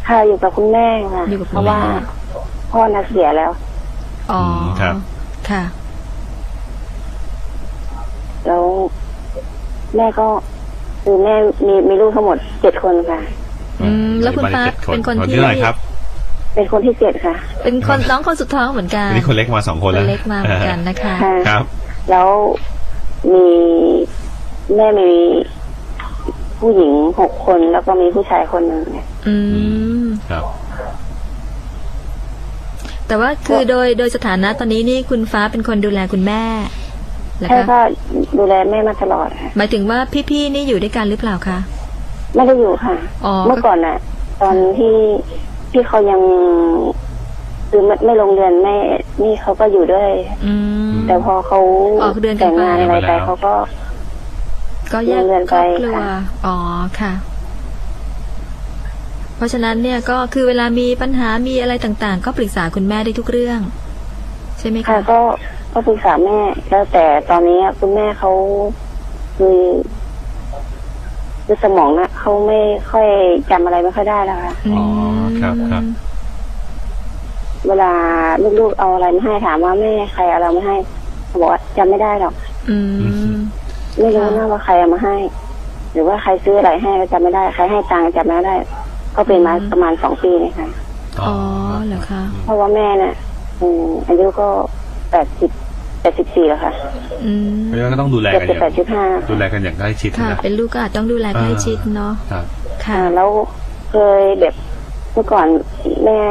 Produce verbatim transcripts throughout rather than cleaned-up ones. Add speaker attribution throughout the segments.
Speaker 1: ค่ะอยู่กับคุณแม่ค่ะเพราะว่าพ่อน่ะเสียแล้ว
Speaker 2: อ๋อครับค่ะ
Speaker 1: แล้วแม่ก็คือแม่มีมีลูกทั้งหมดเจ็ดคนค่ะ
Speaker 2: อืมแล้วคุณป้าเป็นคนที่
Speaker 3: เท่าไหร่ครับ
Speaker 1: เป็นคนที่เจ็ดค่ะ
Speaker 2: เป็นคนน้องคนสุดท้องเหมือนกัน
Speaker 3: นี่คนเล็กมาสองคนแล้ว
Speaker 2: เล็กมาเหมือนกันนะคะ
Speaker 3: ครับ
Speaker 1: แล้วมีแม่มีผู้หญิงหกคนแล้วก็มีผู้ชายคนหนึ่ง
Speaker 2: อืมครับแต่ว่าคือโดยโดยสถานะตอนนี้นี่คุณฟ้าเป็นคนดูแลคุณแม่
Speaker 1: ใช่ก็ดูแลแม่มาตลอดค่ะ
Speaker 2: หมายถึงว่าพี่ๆนี่อยู่ด้วยกันหรือเปล่าคะ
Speaker 1: ไม่ได้อยู่ค่ะเมื่อก่อนน่ะตอนที่ที่เขายังคือไม่ไม่ลงเรียนไม่นี่เขาก็อยู่ด้วยแต่พอเขาแต่งงานอะไรไปเขาก็
Speaker 2: ก็แยกครอบครัวอ๋อค่ะเพราะฉะนั้นเนี่ยก็คือเวลามีปัญหามีอะไรต่างๆก็ปรึกษาคุณแม่ได้ทุกเรื่องใช่ไหมคะ
Speaker 1: ก็ก็ปรึกษาแม่แล้วแต่ตอนนี้คุณแม่เขาคือคือสมองนะเขาไม่ค่อยจำอะไรไม่ค่อยได้แล้วค่ะ
Speaker 3: อ๋อครับครับ
Speaker 1: เวลาลูกๆเอาอะไรมาให้ถามว่าแม่ใครเอาอะไรมาให้เขาบอกว่าจำไม่ได้หรอก
Speaker 2: อืม
Speaker 1: ไม่รู้นะว่าใครเอามาให้หรือว่าใครซื้ออะไรให้ก็จำไม่ได้ใครให้ตังค์จำไม่ได้ก็เป็นมาประมาณสองปีเลยค่ะ
Speaker 2: อ๋อเหรอคะ
Speaker 1: เพราะว่าแม่เนี่ยอายุก็แปดสิบแปดสิบสี่แล้วค่ะ
Speaker 3: อืมเพราะฉะนั้นก็ต้องดูแลกันอย่าง
Speaker 1: แปดสิบห้า
Speaker 3: ดูแลกันอย่างใกล้ชิด
Speaker 2: ค่ะเป็นลูกก็อาจต้องดูแลใกล้ชิดเนาะ
Speaker 1: ค่ะแล้วเคยแบบเมื่อก่อนแม่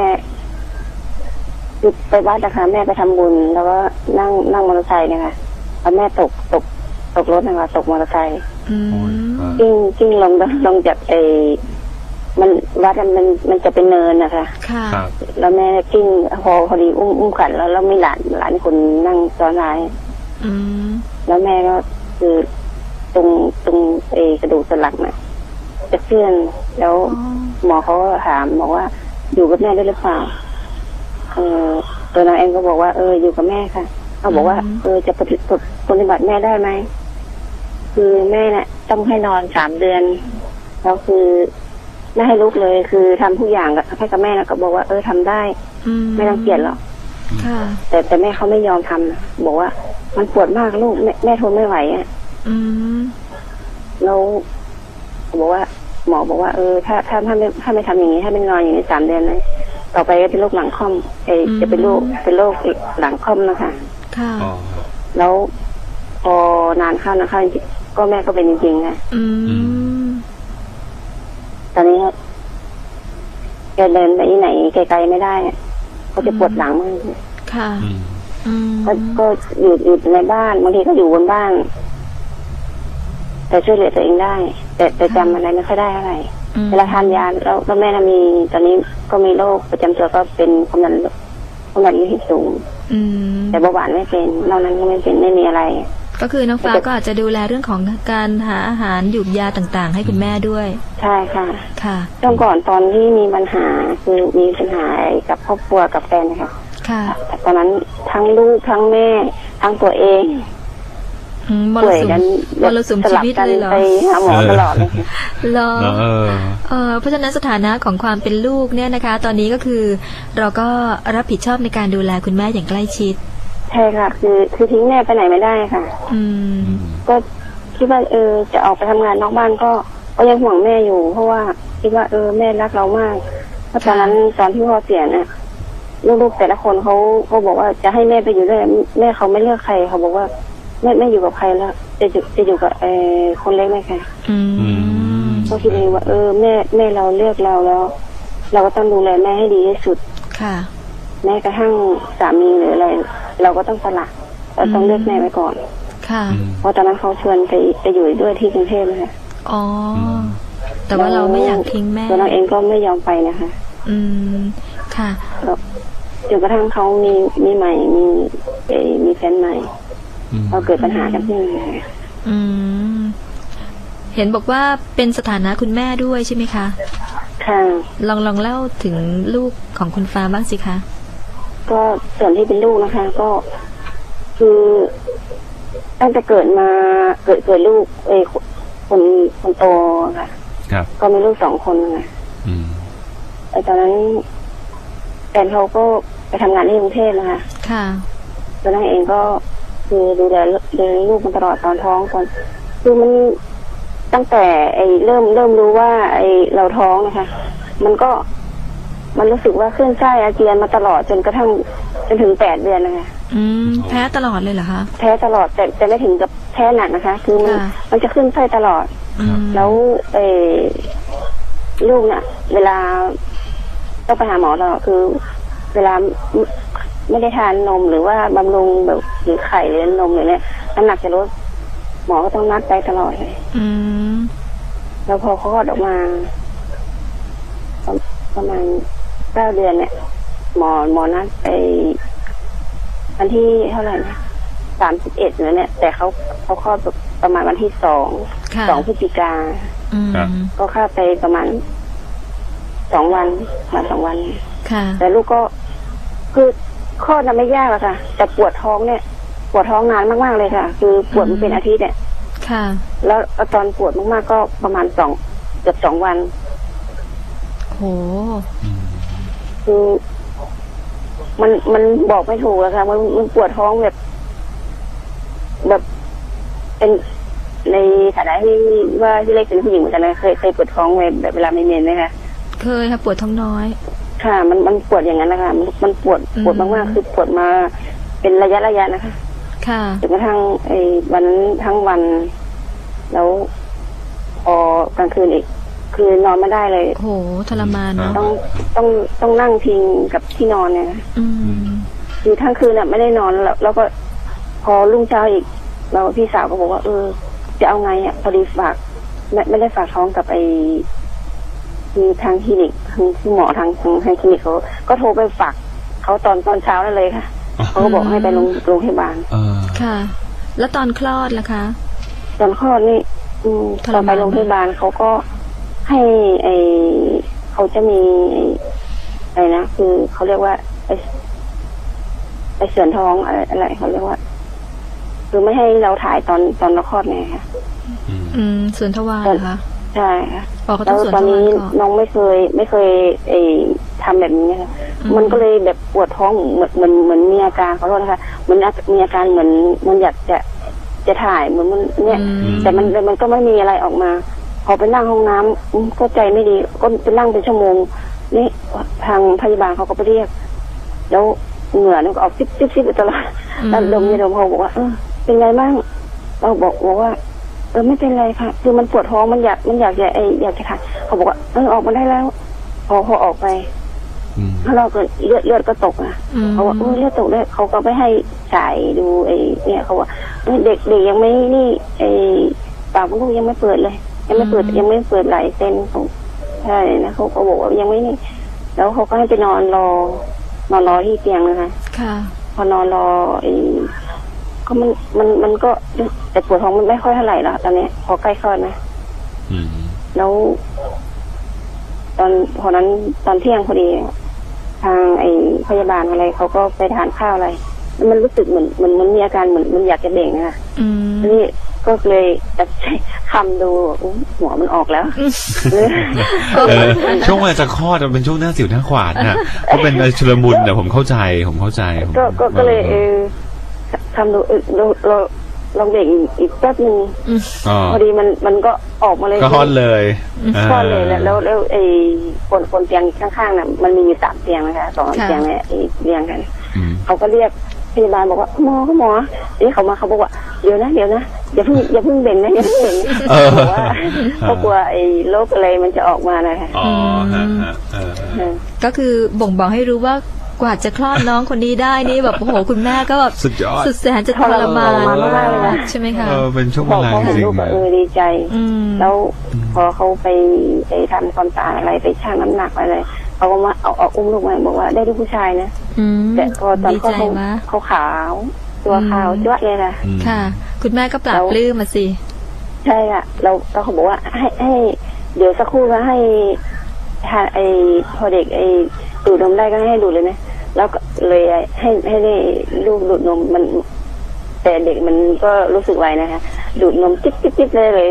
Speaker 1: ไปวัดนะคะแม่ไปทำบุญแล้วก็นั่งนั่งมอเตอร์ไซค์นะคะแล้วแม่ตกตกตกรถนะคะตกมอเตอร์ไซค์กิ้งกิ้งลงลงจากไอ้มันวัดมันมันจะเป็นเนินนะคะแล้วแม่กิ้งพอพอดีอุ้มอุ้มขันแล้วแล้วมีหลานหลานคนนั่งซ้อนท้ายแล้วแม่ก็คือตรงตรงไอ้กระดูกสันหลังน่ะจะเคลื่อนแล้วหมอเขาถามบอกว่าอยู่กับแม่ได้หรือเปล่าเออตัวนางเองก็บอกว่าเอออยู่กับแม่ค่ะเขาบอกว่าเออจะปฏิบัติปฏิบัติแม่ได้ไหมคือแม่เนี่ยต้องให้นอนสามเดือนแล้วคือไม่ให้ลุกเลยคือทำทุกอย่างให้กับแม่แล้วก็บอกว่าเออทำได้ไม่ต้องเกลียดหรอกแต่แต่แม่เขาไม่ยอมทำบอกว่ามันปวดมากลูกแม่แม่ทนไม่ไหวอ่ะแล้วบอกว่าหมอบอกว่าเออถ้าถ้าถ้าไม่ถ้าไม่ทำอย่างนี้ถ้าไม่นอนอย่างนี้สามเดือนเลยต่อไปก็เป็นโรคหลังค่อมเอจะเป็นโรคเป็นโรคหลังค่อมนะคะ
Speaker 2: ค่ะ
Speaker 1: แล้วพอนานเข้านะคะก็แม่ก็เป็นจริงๆนะตอนนี้แกเดินไปที่ไหนไกลๆไม่ได้เขาจะปวดหลังมาก
Speaker 2: ค่ะ
Speaker 1: ก็ก็อยู่อยู่ในบ้านบางทีก็อยู่บนบ้านแต่ช่วยเหลือตัวเองได้แต่แต่จำอะไรไม่ค่อยได้อะไรเวลาทานยาแล้วแล้วแม่มีตอนนี้ก็มีโรคประจำตัวก็เป็นความดันความดันโลหิตสูงแต่เบาหวานไม่เป็นนอกนั้นก็ไม่เป็นไม่มีอะไร
Speaker 2: ก็คือน้องฟ้าก็อาจจะดูแลเรื่องของการหาอาหารหยุกยาต่างๆให้คุณแม่ด้วย
Speaker 1: ใช่ค่ะ
Speaker 2: ค่ะ
Speaker 1: ช่วงก่อนตอนที่มีปัญหาคือมีปัญหากับครอบครัวกับแฟนนะคะ
Speaker 2: ค่ะ
Speaker 1: ตอนนั้นทั้งลูกทั้งแม่ทั้งตัวเอง
Speaker 2: ป่วยกันมรสุมชีวิตเลยเหรอ
Speaker 1: ไปหาหมอตลอดเลย
Speaker 2: เหรอเออเพราะฉะนั้นสถานะของความเป็นลูกเนี่ยนะคะตอนนี้ก็คือเราก็รับผิดชอบในการดูแลคุณแม่อย่างใกล้ชิด
Speaker 1: ใช่ค่ะคือคือทิ้งแม่ไปไหนไม่ได้ค่ะ
Speaker 2: อืม
Speaker 1: ก็คิดว่าเออจะออกไปทำงานนอกบ้านก็ก็ยังห่วงแม่อยู่เพราะว่าคิดว่าเออแม่รักเรามากเพราะตอนนั้นตอนที่พ่อเสียเนี่ยลูกๆแต่ละคนเขาเขาบอกว่าจะให้แม่ไปอยู่ด้วยแม่เขาไม่เลือกใครเขาบอกว่าไม่ไม่อยู่กับใครแล้วจะอยู่จะอยู่กับเออคนเล็กไหมคะก็คิดเองว่าเออแม่แม่เราเลือกเราแล้ว เราก็ต้องดูแลแม่ให้ดีที่สุด
Speaker 2: ค่ะ
Speaker 1: แม้กระทั่งสามีหรืออะไรเราก็ต้องสละเราต้องเลือกแม่ไว้ก่อน
Speaker 2: ค่ะ
Speaker 1: เพราะตอนนั้นเขาชวนไปไปอยู่ด้วยที่กรุงเทพนะคะ
Speaker 2: อ๋อแต่ว่าเราไม่อยากทิ้งแม่
Speaker 1: ตัวเราเองก็ไม่ยอมไปนะคะ
Speaker 2: อืมค่ะ
Speaker 1: จนกระทั่งเขามีมีใหม่มีมีแฟนใหม่เราเกิดปัญหากันที่นี่
Speaker 2: อืมเห็นบอกว่าเป็นสถานะคุณแม่ด้วยใช่ไหมคะ
Speaker 1: ค่ะ
Speaker 2: ลองลองเล่าถึงลูกของคุณฟ้าบ้างสิคะ
Speaker 1: ก็ส่วนที่เป็นลูกนะคะก็คือตั้งแต่เกิดมาเกิดเกิดลูกเอ้คนคนโตค่ะ
Speaker 3: ครับ
Speaker 1: ก็มีลูกสองคนค่ะ
Speaker 3: อืม
Speaker 1: ไอ้ตอนนั้นแฟนเขาก็ไปทำงานที่กรุงเทพนะคะ
Speaker 2: ค่ะ
Speaker 1: ตัวนั่งเองก็คือดูแลดูแลลูกมันตลอดตอนท้องตอนคือมันตั้งแต่ไอ้เริ่มเริ่มรู้ว่าไอ้เราท้องนะคะมันก็มันรู้สึกว่าขึ้นไส้อาเจียนมาตลอดจนกระทั่งจนถึงแปดเดือนนะคะ
Speaker 2: อืมแพ้ตลอดเลยเหรอคะ
Speaker 1: แพ้ตลอดแต่แต่ไม่ถึงกับแพ้หนักนะคะคือมันมันจะขึ้นไส้ตลอดแล้วไอ้ลูกเนี่ยเวลาต้องไปหาหมอตลอดคือเวลาไม่ได้ทานนมหรือว่าบำรุงแบบหรือไข่หรือนมหรือเนี่ยน้ำหนักจะลดหมอก็ต้องนัดไปตลอดเลย
Speaker 2: อืม
Speaker 1: แล้วพอคลอดออกมาประมาณเก้าเดือนเนี่ยหมอหมอนัดไปวันที่เท่าไหร่นะสามสิบเอ็ดเนี่ยแต่เขาเขาคลอดประมาณวันที่สองสองพฤศจิกาก็คลอดไปประมาณสองวันมาสองวันแต่ลูกก็คือคลอดน่ะไม่ยากหรอกค่ะแต่ปวดท้องเนี่ยปวดท้องนานมากๆเลยค่ะคือปวดมันเป็นอาทิตย์เนี่ยแล้วตอนปวดมากๆก็ประมาณสองเกือบสองวัน
Speaker 2: โห
Speaker 1: คือมันมันบอกไม่ถูกอะค่ะมันมันปวดท้องแบบแบบเป็นในฐานะที่ว่าที่เล็กเป็นผู้หญิงเหมือนกันนะเคยเคยปวดท้องแบบเวลาไม่เมนไหมคะ
Speaker 2: เคยค่ะปวดท้องน้อย
Speaker 1: ค่ะมันมันปวดอย่างนั้นนะคะมันมันปวดปวดมากๆคือปวดมาเป็นระยะระยะนะคะ
Speaker 2: ค่ะ
Speaker 1: จนกระทั่งไอ้วันทั้งวันแล้วพอกลางคืนอีกคือนอนไม่ได้เลย
Speaker 2: โหทรมานเนาะ
Speaker 1: ต้องต้องต้องนั่งพิงกับที่นอนเนี่ยคือทั้งคืนน่ะไม่ได้นอนแล้วแล้วก็พอรุ่งเช้าอีกเราพี่สาวก็บอกว่าเออจะเอาไงอ่ะพอดีฝากไม่ไม่ได้ฝากท้องกับไอ้คือทางคลินิกคือหมอทางทางคลินิกเขาก็โทรไปฝากเขาตอนตอนเช้านั่นเลยค่ะเขาก็บอกให้ไปโรงโรงพยาบาล
Speaker 2: ค่ะแล้วตอนคลอดล่ะคะ
Speaker 1: ตอนคลอดนี่ตอนไปโรงพยาบาลเขาก็ให้ไอเขาจะมีอะไรนะคือเขาเรียกว่าไอไอเสื่อมท้องอะไรอะไรเขาเรียกว่าคือไม่ให้เราถ่ายตอนตอนเราคลอดไงค่ะ
Speaker 2: อืมเสื่อมทวารค่ะ
Speaker 1: ใช่ค่ะแล้วตอนนี้น้องไม่เคยไม่เคยไอทำแบบนี้ค่ะมันก็เลยแบบปวดท้องเหมือนเหมือนเหมือนมีอาการเขาโทษนะคะเหมือนมีอาการเหมือนมันอยากจะจะถ่ายเหมือนมันเนี่ยแต่มันมันก็ไม่มีอะไรออกมาพอไปนั่งห้องน้ำก็ใจไม่ดีก็ไปนั่งเป็นชั่วโมงนี่ทางพยาบาลเขาก็ไปเรียกแล้วเหงื่อมันก็ออกซิบซิบซิบตลอดแล้วดมยาดมเขาบอกว่าเออเป็นไงบ้างเราบอกบอกว่าเออไม่เป็นไรค่ะคือมันปวดท้องมันอยากมันอยากจะไออยากจะถ่ายเขาบอกว่าเออออกมาได้แล้วพอพอออกไปถ้าเราเกิดเลือดเลือดก็ตกอ่ะเขาว่าเออเลือดตกได้เขาก็ไปให้ฉายดูไอเนี่ยเขาว่าเด็กเด็กยังไม่นี่ไอปากลูกยังไม่เปิดเลยยังไม่เปิดยังไม่เปิดหลายเส้นใช่นะเขาก็บอกว่ายังไม่นี่แล้วเขาก็ให้ไปนอนรอนอนรอที่เตียงนะคะ
Speaker 2: ค่ะ
Speaker 1: พอนอนรอไอ้ก็มันมันมันก็แต่ปวดท้องมันไม่ค่อยเท่าไหร่แล้วตอนนี้พอใกล้คลอดนะแล้วตอนพอนั้นตอนเที่ยงพอดีทางไอ้พยาบาลอะไรเขาก็ไปทานข้าวอะไรมันรู้สึกเหมือนมันมันมีอาการเหมือนมันอยากจะเบ่งนะคะนี่ก็เลยจะใช้คำดูหัวมันออกแล้ว
Speaker 3: ช่วงเวลาจะคลอดมันเป็นช่วงหน้าสิวหน้าขวานน่ะก็เป็นชุลมุนแต่ผมเข้าใจผมเข้าใจ
Speaker 1: ก็ก็เลยเออทำดูเราเราลองเบ่งอีกแป๊บนึงพอดีมันมันก็ออกมาเลย
Speaker 3: ก็คลอดเลย
Speaker 1: คลอดเลยแล้วแล้วแล้วไอ้คนคนเตียงข้างๆน่ะมันมีอยู่สามเตียงนะคะสองเตียงเนี่ยเรียงกันเขาก็เรียกพยาบาลบอกว่าหมอก็หมอนี่เขามาเขาบอกว่าเดี๋ยวนะเดี๋ยวนะอย่าเพิ่งอย่าเพิ่งเบ่งนะอย่าเพิ่งเบ่งบอกว่าเขากลัวไอ้โรคอะไรมันจะออกมานะคะ
Speaker 3: อ๋อฮะ
Speaker 2: ก็คือบ่งบอกให้รู้ว่ากว่าจะคลอดน้องคนนี้ได้นี่แบบโอ้โหคุณแม่ก็แบบ
Speaker 3: สุดยอด
Speaker 2: สุดแสนจะทรมานมากเลยนะใช่ไหมคะ
Speaker 3: เออเป็นช่วงเวลาจริง
Speaker 1: ๆเออดีใจแล้วพอเขาไปไปทำความสะอาดอะไรไปชั่งน้ำหนักอะไรเขาก็มาเอาเอาอุ้มลูกมาบอกว่าได้ลูกผู้ชายนะแต่พอตอนเขาเขาขาวตัวขาวจ้วะเลยนะ
Speaker 2: ค่ะคุณแม่ก็ปรับปลื้มมาสิ
Speaker 1: ใช่อ่ะเราเราเขาบอกว่าให้ให้เดี๋ยวสักครู่นะให้ทานไอพอเด็กไอดูดนมได้ก็ให้ดูดเลยนะแล้วก็เลยให้ให้ได้ลูกดูดนมมันแต่เด็กมันก็รู้สึกไวนะคะดูดนมจิ๊บจิ๊บจิ๊บเลยเลย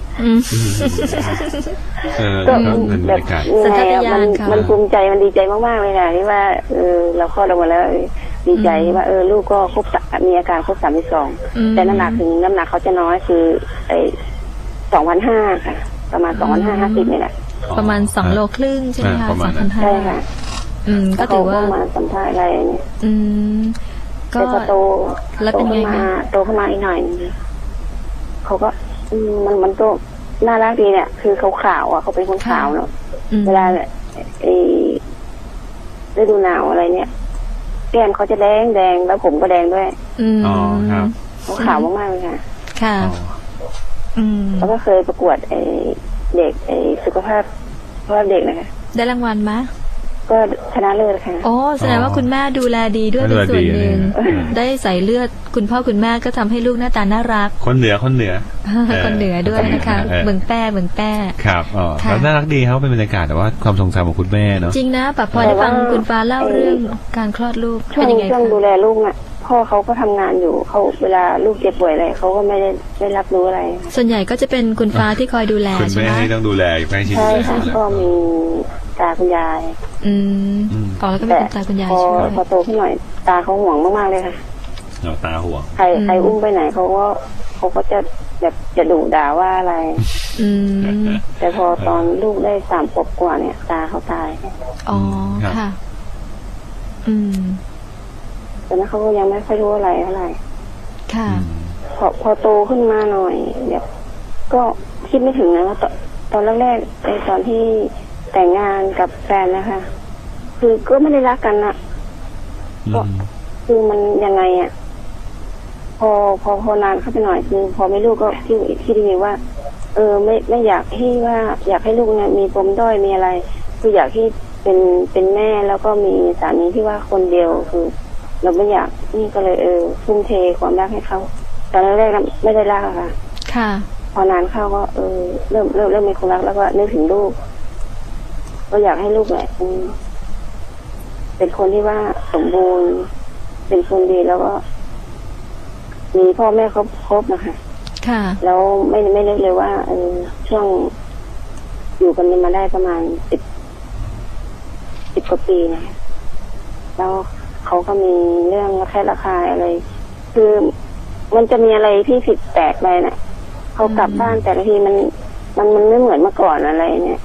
Speaker 1: ก็แบบยังไงอ่ะมันมันภูมิใจมันดีใจมากๆเลยค่ะที่ว่าเออเราคลอดออกมาแล้วดีใจว่าเออลูกก็ครบมีอาการครบสามสิบสองแต่น้ำหนักถึงน้ำหนักเขาจะน้อยคือไอ้สองพันห้าค่ะประมาณสองพันห้าห้าสิบนี่แหละ
Speaker 2: ประมาณสองโลครึ่งใช่ไหมคะสองพันห้า
Speaker 1: ใช่ค่ะ
Speaker 2: อืมก็ถือว่า
Speaker 1: มาสัมภาษณ์อะไรเนี่ย
Speaker 2: อืมก็
Speaker 1: โต
Speaker 2: แล้วเป็นไงคะ
Speaker 1: โตขึ้นมาอีกหน่อยเขาก็มันมันก็น่ารักดีเนี่ยคือเขาขาวอ่ะเขาเป็นคนขาวเนาะเวลาไอ้ฤดูหนาวอะไรเนี่ยแก้มเขาจะแดงแดงแล้วผมก็แดงด้วย
Speaker 3: อ๋อครับ
Speaker 1: เขาขาวมากๆเลยค่ะ
Speaker 2: ค่ะอืม
Speaker 1: แล้วก็เคยประกวดไอ้เด็กไอ้สุขภาพสุขภาพเด็กนะคะ
Speaker 2: ได้รางวัลไหม
Speaker 1: ก็ชนะเลิศค่ะ
Speaker 2: โอ้แสดงว่าคุณแม่ดูแลดีด้วยเป็นส่วนหนึ่งได้ใส่เลือดคุณพ่อคุณแม่ก็ทำให้ลูกหน้าตาน่ารัก
Speaker 3: คนเหนือคนเหนือ
Speaker 2: คนเหนือด้วยนะคะเมืองแป้เมืองแป้
Speaker 3: ครับอ๋อแล้วน่ารักดีครับเป็นบรรยากาศแต่ว่าความทรงจำของคุณแม่เนาะ
Speaker 2: จริงนะปะพอได้ฟังคุณฟ้าเล่าเรื่องการคลอดลูก
Speaker 1: เป็นยังไงช่วงดูแลลูกอ่ะพ่อเขาก็ทำงานอยู่เขาเวลาลูกเจ็บป่วยอะไรเขาก็ไม่ได้ไม่รับรู้อะไร
Speaker 2: ส่วนใหญ่ก็จะเป็นคุณฟ้าที่คอยดูแล
Speaker 3: ใช่ไหมคุณแม่ที่ต้องดูแลใกล้ชิด
Speaker 1: ใช่ค่ะก็มีตาคุณยาย
Speaker 2: อืมอ๋อแล้วก็มีคุณตาคุณยายช่วย
Speaker 1: พอโตขึ้นหน่อยตาเขาห่วงมากๆเลยค่ะ
Speaker 3: ตาห่วง
Speaker 1: ใครใครอุ้มไปไหนเขาก็เขาก็จะแบบจะดุด่าว่าอะไร
Speaker 2: อืม
Speaker 1: แต่พอตอนลูกได้สามขวบกว่าเนี่ยตาเขาตาย
Speaker 2: อ๋อค่ะอืม
Speaker 1: แต่นั้นเขาก็ยังไม่ค่อยรู้อะไรเท่าไหร่
Speaker 2: ค่ะ
Speaker 1: พอพอโตขึ้นมาหน่อยแบบก็คิดไม่ถึงนะว่าตอนแรกๆในตอนที่แต่งงานกับแฟนนะคะคือก็ไม่ได้รักกันนะก็คือมันยังไงอ่ะพอพอพอนานเข้าไปหน่อยคือพอไม่ลูกก็ที่ที่ได้ยินว่าเออไม่ไม่อยากให้ว่าอยากให้ลูกเนี่ยมีปมด้อยมีอะไรคืออยากให้เป็นเป็นแม่แล้วก็มีสามีที่ว่าคนเดียวคือเราไม่อยากนี่ก็เลยเออทุ่มเทความรักให้เขาตอนแรกๆไม่ได้รักค่ะ
Speaker 2: ค่ะ
Speaker 1: พอนานเข้าก็เออเริ่มเริ่มเริ่มมีความรักแล้วก็นึกถึงลูกก็อยากให้ลูกแหละเป็นคนที่ว่าสมบูรณ์เป็นคนดีแล้วก็มีพ่อแม่ครบครบนะคะ
Speaker 2: ค่ะ
Speaker 1: แล้วไม่ไม่นึกเลยว่าเออช่วงอยู่กันมาได้ประมาณสิบสิบกว่าปีนะแล้วเขาก็มีเรื่องระแคะระคายอะไรคือมันจะมีอะไรที่ผิดแปลกไปนะเขากลับบ้านแต่ละทีมันมันมันไม่เหมือนเมื่อก่อนอะไรเนี่ย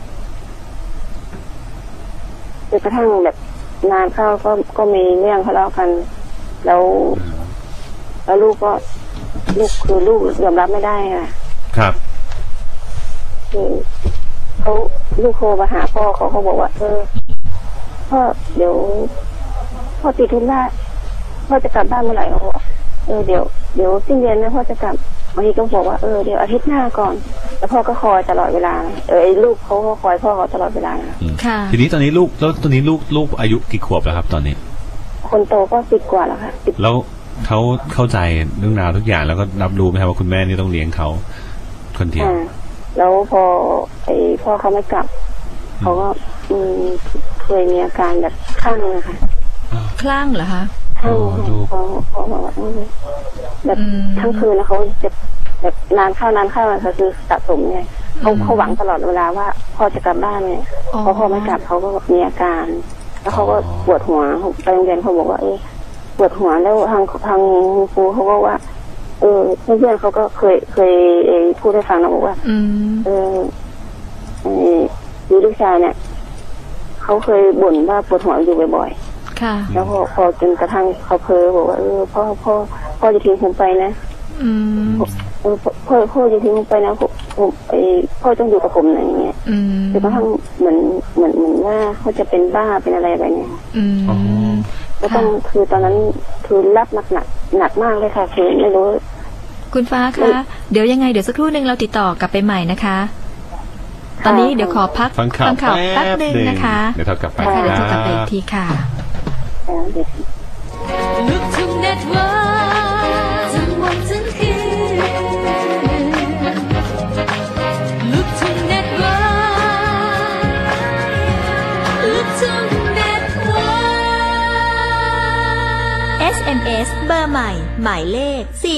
Speaker 1: จนกระทั่งแบบนานเข้าก็ก็มีเรื่องทะเลาะกันแล้วแล้วลูกก็ลูกคือลูกยอมรับไม่ได้ค่ะ
Speaker 3: ครับ
Speaker 1: คือเขาลูกโทรมาหาพ่อเขาเขาบอกว่าเออพ่อเดี๋ยวพ่อติดธุระพ่อจะกลับบ้านเมื่อไหร่เขาบอกเออเดี๋ยวเดี๋ยวสิ้นเดือนนะพ่อจะกลับบางทีก็บอกว่าเออเดี๋ยวอาทิตย์หน้าก่อนแล้วพ่อก็คอยตลอดเวลาเออไอ้ลูกเขาก็คอยพ่อเขาตลอดเวลา
Speaker 2: ค่ะ
Speaker 3: ทีนี้ตอนนี้ลูกแล้วตอนนี้ลูกลูกอายุกี่ขวบแล้วครับตอนนี้
Speaker 1: คนโตก็สิบกว่าแล้วค่ะ
Speaker 3: แล้วเขาเข้าใจเรื่องราวทุกอย่างแล้วก็รับรู้ไหมครับว่าคุณแม่นี่ต้องเลี้ยงเขาคนเดียว
Speaker 1: แล้วพอไอ้พ่อเขาไม่กลับเขาก็เคยมีอาการแบบคลั่งนะคะ
Speaker 2: คลั่งเหรอคะ
Speaker 1: คลั่งเขาเขาบอกว่าแบบทั้งคืนแล้วเขาจะแบบนานเข้านานเข้าก็คือสะสมไงเขาเขาหวังตลอดเวลาว่าพ่อจะกลับบ้านเนี่ยพอพ่อไม่กลับเขาก็มีอาการแล้วเขาก็ปวดหัวไปโรงเรียนเขาบอกว่าเออปวดหัวแล้วทางทางครูเขาก็ว่าเออเพื่อนๆเขาก็เคยเคยพูดให้ฟังนะบอกว่าเออมีลูกชายเนี่ยเขาเคยบ่นว่าปวดหัวอยู่บ่อย
Speaker 2: ๆค่ะ
Speaker 1: แล้วพอพอจนกระทั่งเขาเพ้อบอกว่าเออพ่อพ่อพ่อจะทิ้งผมไปนะ
Speaker 2: อืม
Speaker 1: เออพ่อพ่อจะทิ้งผมไปนะผมผมไอพ่อต้องอยู่กับผมอะไรอย่างเงี้ยจนกระทั่งเหมือนเหมือนเหมือนว่าเขาจะเป็นบ้าเป็นอะไรไปเนี่ย
Speaker 2: อืม
Speaker 1: ก็ต้องคือตอนนั้นคือรับหนักหนักหนักมากเลยค่ะคือไม่รู้
Speaker 2: คุณฟ้าคะเดี๋ยวยังไงเดี๋ยวสักครู่นึงเราติดต่อกลับไปใหม่นะคะตอนนี้เดี๋ยวขอพัก
Speaker 3: ฟังข่าว
Speaker 2: แป๊บนึงนะคะ
Speaker 3: เดี๋ยวเรากลับไป
Speaker 2: เดี๋ยวเรากลับไปอีกทีค่ะ
Speaker 4: ลูกทุ่งเน็ตเวิร์กทั้งวันทั้งคืนลูกทุ่งเน็ตเวิร์กลูกทุ่งเน็ตเวิร์ก เอส เอ็ม เอส เบอร์ใหม่หมายเลข